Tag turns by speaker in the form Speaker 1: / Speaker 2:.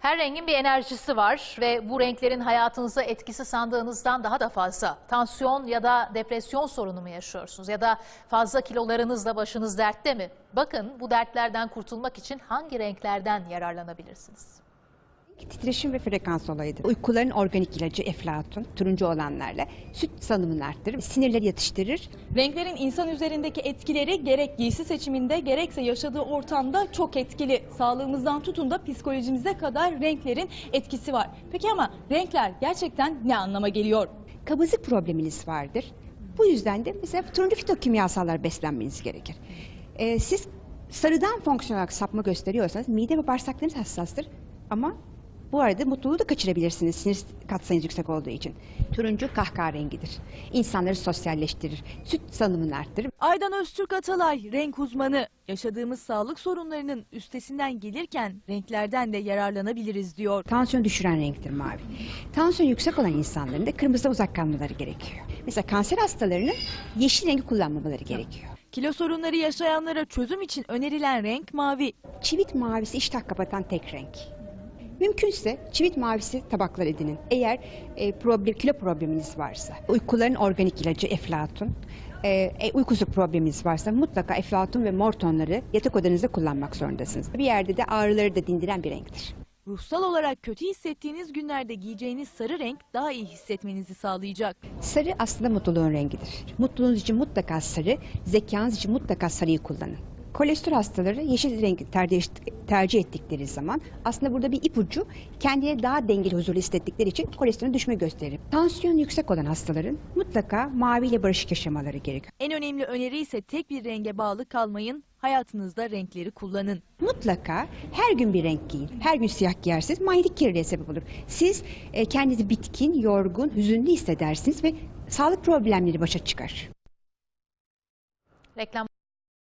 Speaker 1: Her rengin bir enerjisi var ve bu renklerin hayatınıza etkisi sandığınızdan daha da fazla. Tansiyon ya da depresyon sorunu mu yaşıyorsunuz ya da fazla kilolarınızla başınız dertte mi? Bakın bu dertlerden kurtulmak için hangi renklerden yararlanabilirsiniz?
Speaker 2: Titreşim ve frekans olayıdır. Uykuların organik ilacı eflatun, turuncu olanlarla süt salımını arttırır, sinirleri yatıştırır.
Speaker 3: Renklerin insan üzerindeki etkileri gerek giysi seçiminde gerekse yaşadığı ortamda çok etkili. Sağlığımızdan tutun da psikolojimize kadar renklerin etkisi var. Peki ama renkler gerçekten ne anlama geliyor?
Speaker 2: Kabızlık probleminiz vardır. Bu yüzden de mesela turuncu fitokimyasallar beslenmeniz gerekir. Siz sarıdan fonksiyon olarak sapma gösteriyorsanız mide ve bağırsaklarınız hassastır ama bu arada mutluluğu da kaçırabilirsiniz sinir katsayınız yüksek olduğu için. Turuncu kahkaha rengidir. İnsanları sosyalleştirir. Süt salımını arttırır.
Speaker 3: Aydan Öztürk Atalay renk uzmanı. Yaşadığımız sağlık sorunlarının üstesinden gelirken renklerden de yararlanabiliriz diyor.
Speaker 2: Tansiyon düşüren renktir mavi. Tansiyon yüksek olan insanların da kırmızıdan uzak kalmaları gerekiyor. Mesela kanser hastalarının yeşil rengi kullanmamaları gerekiyor.
Speaker 3: Kilo sorunları yaşayanlara çözüm için önerilen renk mavi.
Speaker 2: Çivit mavisi iştah kapatan tek renk. Mümkünse çivit mavisi tabaklar edinin. Eğer kilo probleminiz varsa, uykuların organik ilacı eflatun, uykusuzluk probleminiz varsa mutlaka eflatun ve mor tonları yatak odanızda kullanmak zorundasınız. Bir yerde de ağrıları da dindiren bir renktir.
Speaker 3: Ruhsal olarak kötü hissettiğiniz günlerde giyeceğiniz sarı renk daha iyi hissetmenizi sağlayacak.
Speaker 2: Sarı aslında mutluluğun rengidir. Mutluluğunuz için mutlaka sarı, zekanız için mutlaka sarıyı kullanın. Kolesterol hastaları yeşil rengi tercih ettikleri zaman aslında burada bir ipucu kendine daha dengeli, huzurlu hissettikleri için kolesterolün düşme gösterir. Tansiyon yüksek olan hastaların mutlaka maviyle barışık yaşamaları gerekiyor.
Speaker 3: En önemli öneri ise tek bir renge bağlı kalmayın, hayatınızda renkleri kullanın.
Speaker 2: Mutlaka her gün bir renk giyin. Her gün siyah giyerseniz manyetik kirliliğe sebep olur. Siz kendinizi bitkin, yorgun, hüzünlü hissedersiniz ve sağlık problemleri başa çıkar.
Speaker 1: Reklam